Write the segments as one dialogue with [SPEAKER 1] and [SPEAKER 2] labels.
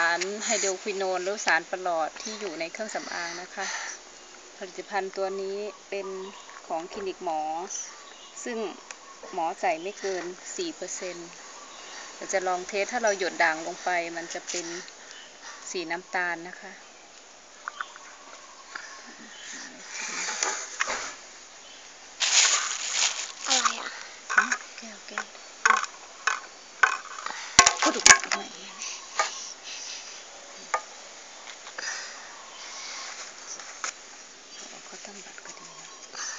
[SPEAKER 1] ารไฮโดรควิโนนหรือสารประหลอดที่อยู่ในเครื่องสำอางนะคะผลิตภัณฑ์ตัวนี้เป็นของคลินิกหมอซึ่งหมอใส่ไม่เกิน 4%เราจะลองเทสถ้าเราหยดด่างลงไปมันจะเป็นสีน้ำตาลนะคะ
[SPEAKER 2] อะไรอ่ะ
[SPEAKER 1] แก้วพูดถูกไหมเขาตั้งบัตรก็ดีนะ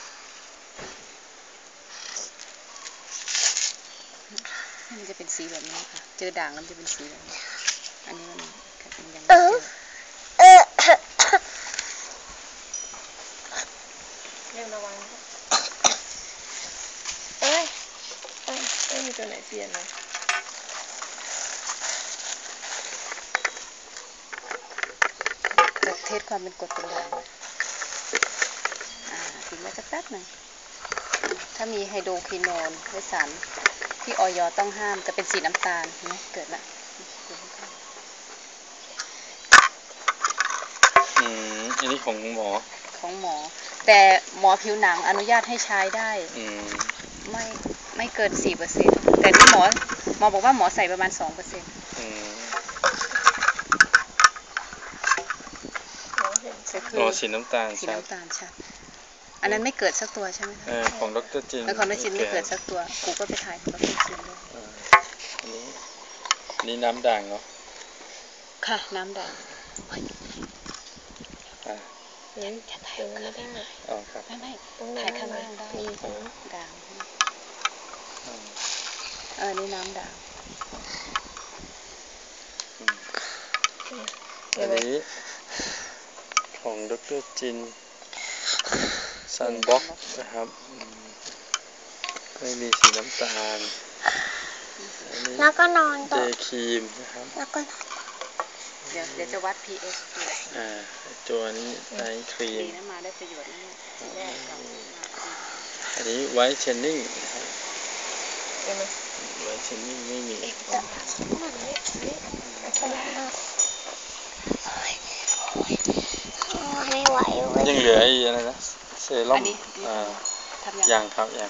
[SPEAKER 1] มันจะเป็นสีแบบนี้ค่ะเจอด่างแล้วมันจะเป็นสีแบบนี้อันนี้มันยังไม่เจอเรื่องระวังไม่มีตัวไหนเปลี่ยนเลยจะเทสความเป็นกรดเป็นด่างทิ้งไว้สักแป๊บหนึ่งถ้ามีไฮโดรควิโนนหรือสารที่อย.ต้องห้ามจะเป็นสีน้ำตาลเห็นไหมเกิดละ
[SPEAKER 3] อันนี้ของหมอ
[SPEAKER 1] แต่หมอผิวหนังอนุญาตให้ใช้ได้ไม่เกิน 4% แต่ที่หมอบอกว่าหมอใส่ประมาณ 2%
[SPEAKER 3] สีน้ำตาล
[SPEAKER 1] ชัดอันนั้นไม่เกิดสักตัวใช่ไหม
[SPEAKER 3] ของดร.จิน
[SPEAKER 1] ของดร.จินไม่เกิดสักตัวกูก็ไปถ่ายของดร.จินเลย
[SPEAKER 3] นี่น้ำด่างเนาะ
[SPEAKER 1] ค่ะน้ำด่าง
[SPEAKER 2] จะถ่ายไม่ได้
[SPEAKER 3] ครับ
[SPEAKER 1] ไม่ถ่ายข้างล่างได้ด่างนี่น้ำด่าง
[SPEAKER 3] อันนี้ของดร.จินซันบ็อกนะครับไม่มีสีน้ำตาล
[SPEAKER 2] แล้วก็นอน
[SPEAKER 3] เดย์ครีมนะครับ
[SPEAKER 2] แล้วก็
[SPEAKER 1] เดี๋ยวจะวัด pH
[SPEAKER 3] ตัวนี้ไนท์ครีม
[SPEAKER 1] ดีนะมาได้ประโยชน์นี่ทีแรกเรา
[SPEAKER 3] อันนี้ไวท์เชนนิ่งนะครับไวท์เชนนิ่งไม่มี
[SPEAKER 2] ไม่ไหว
[SPEAKER 3] ยังเหลืออะไรนะเซรั่มยังครับยัง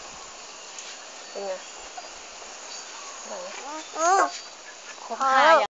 [SPEAKER 1] ครบ5